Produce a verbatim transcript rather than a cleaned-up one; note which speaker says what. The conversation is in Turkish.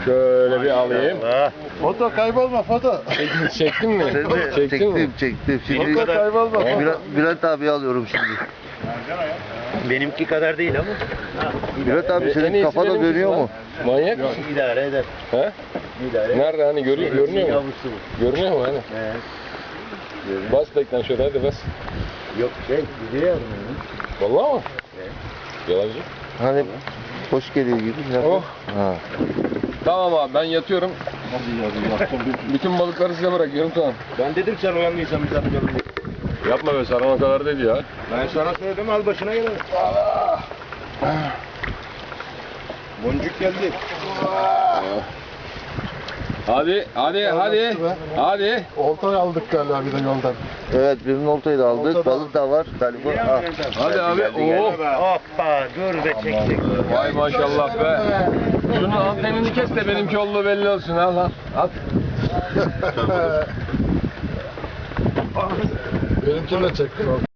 Speaker 1: Şöyle bir alayım.
Speaker 2: Foto kaybolma foto.
Speaker 1: Çektin, çektin mi? Çektin
Speaker 3: çektim,
Speaker 1: mi?
Speaker 3: çektim. Şimdi
Speaker 2: Foto kaybolma.
Speaker 3: Bülent, Bülent abi alıyorum şimdi.
Speaker 4: Benimki kadar değil ama.
Speaker 3: Bülent abi
Speaker 1: En
Speaker 3: senin
Speaker 1: iyisi
Speaker 3: kafada
Speaker 1: benimkisi
Speaker 3: dönüyor
Speaker 1: lan.
Speaker 3: mu?
Speaker 1: Manyak mısın?
Speaker 4: İdare eder.
Speaker 1: He?
Speaker 4: İdare.
Speaker 1: Nerede hani görüyor, görünüyor mu?
Speaker 4: Yavrusu bu.
Speaker 1: Görünüyor mu hani?
Speaker 4: He.
Speaker 1: Bas beklen şöyle hadi bas.
Speaker 4: Yok şey, gidiyor yardım
Speaker 1: Vallahi mı? Yalancı.
Speaker 3: Hani hoş geliyor gibi.
Speaker 1: Oh.
Speaker 3: Ha.
Speaker 1: Tamam abi ben yatıyorum. Bütün balıkları size bırakıyorum tamam.
Speaker 4: Ben dedim sen uyanmaysan biz yapacağım diye.
Speaker 1: Yapma be Saran o kadar dedi ya.
Speaker 4: Ben sana söyledim al başına gel. Boncuk geldi.
Speaker 1: Hadi hadi hadi. Hadi.
Speaker 2: Oltayı aldık galiba bir de yoldan.
Speaker 3: Evet birinin oltayı da aldık.
Speaker 2: Olta da
Speaker 3: Balık da var galiba. Ah.
Speaker 1: Hadi abi. Oo.
Speaker 4: Hoppa dur be çek çek.
Speaker 1: Vay maşallah be. Şunun antenini kes de benimki olduğu belli olsun. Al al. At.
Speaker 2: Benimkini de çektim.